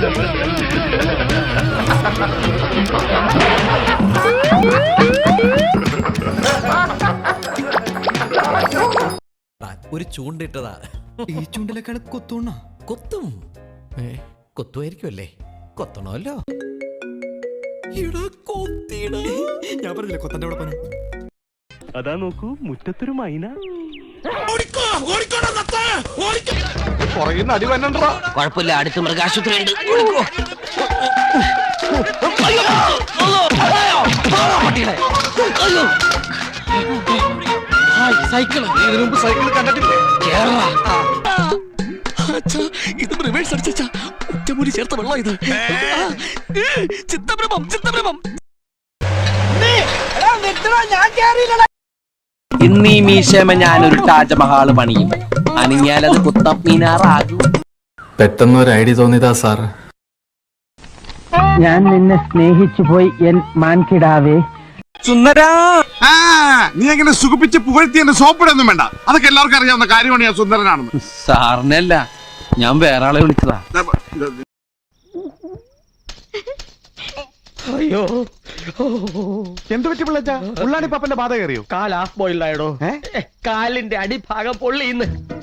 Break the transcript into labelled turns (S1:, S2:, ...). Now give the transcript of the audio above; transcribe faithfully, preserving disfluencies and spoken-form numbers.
S1: ഒരു ചൂണ്ടിട്ടതാ.
S2: ഈ ചൂണ്ടിലേക്കാൾ കൊത്തോണ
S1: കൊത്തും. കൊത്തുമായിരിക്കുമല്ലേ? കൊത്തണമല്ലോ.
S2: ഞാൻ പറഞ്ഞില്ല കൊത്തന്റെ അവിടെ പനം.
S3: അതാ നോക്കൂ, മുറ്റത്തൊരു മൈന.
S4: കുഴപ്പമില്ല, അടുത്ത് മൃഗാശുപത്രി ഉണ്ട്. സൈക്കിൾ ഇതിനു മുമ്പ് സൈക്കിൾ കണ്ടിട്ടില്ലേ? ഇത് റിവേഴ്സ് അടിച്ചാ ഒറ്റമൂലി ചേർത്ത വെള്ളം ഇത്. ചിത്തഭ്രമം ചിത്തഭ്രമം. ഇന്നീ മീശമ ഞാനൊരു താജ്മഹാള് പണിയും. അണിഞ്ഞാലത് കുത്തബ് മീനാറാകും.
S5: പെട്ടെന്ന് ഒരു ഐഡിയ തോന്നിയതാ സാർ.
S4: ഞാൻ നിന്നെ സ്നേഹിച്ചു പോയി എൻ മാൻകിടാവേ. സുന്ദരാ,
S6: നീ എങ്ങനെ സുഖിപ്പിച്ച് പുകഴ്ത്തി എന്നെ സോപ്പിടൊന്നും വേണ്ട. അതൊക്കെ എല്ലാവർക്കും അറിയാവുന്ന കാര്യമാണ് ഞാൻ സുന്ദരനാണെന്ന്.
S4: സാറിനല്ല, ഞാൻ വേറെ ആളെ വിളിച്ചതാ. അയ്യോ,
S6: എന്ത് പറ്റി പിള്ളേച്ചാ? ഉള്ളാണി പാപ്പന്റെ ബാധ കയറിയോ?
S4: കാൽ ഹാഫ് ബോയിൽഡ് ആയിടോ. കാലിന്റെ അടിഭാഗം പൊള്ളിന്ന്.